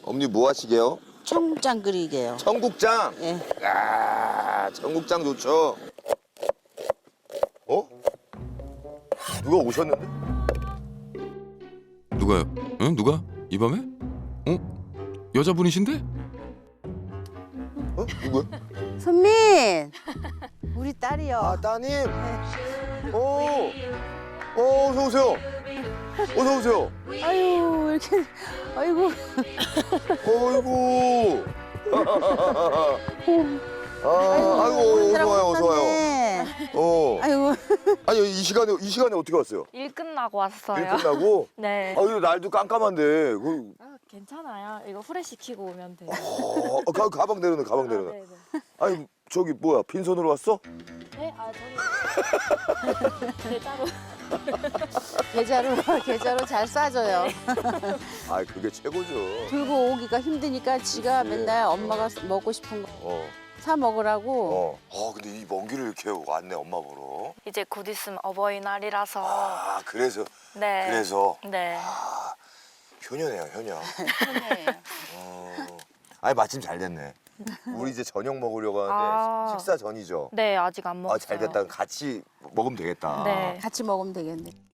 어머니 뭐 하시게요? 청국장 끓이게요. 청국장. 예. 야, 청국장 좋죠. 어? 누가 오셨는데? 누가요? 응? 누가? 이 밤에? 어? 여자분이신데? 어? 누구야? 선민! 우리 딸이요. 아, 따님. 오. 어서 오세요. 어서 오세요. 아유, 이렇게. 아이고. 어이구. 아이고, 어서 와요, 어서 와요. 네. 아이고. 아니, 이 시간에 어떻게 왔어요? 일 끝나고 왔어요. 일 끝나고? 네. 아, 이거 날도 깜깜한데. 괜찮아요. 이거 후레 시키고 오면 돼요. 가방 내려놔, 가방 내려놔. 네네. 아니, 저기 뭐야, 빈손으로 왔어? 네, 저기 계좌로. 계좌로 잘 싸줘요. 아, 그게 최고죠. 들고 오기가 힘드니까 지가 맨날 엄마가 먹고 싶은 거 어, 사 먹으라고. 근데 이 먼 길을 이렇게 왔네, 엄마 보러. 이제 곧 있으면 어버이날이라서. 아, 그래서. 네. 그래서. 네. 효녀네요, 효녀. 네. 아니, 마침 잘 됐네. 우리 이제 저녁 먹으려고 하는데 아. 식사 전이죠? 네, 아직 안 먹었어요. 잘 됐다. 같이 먹으면 되겠다. 네. 같이 먹으면 되겠네.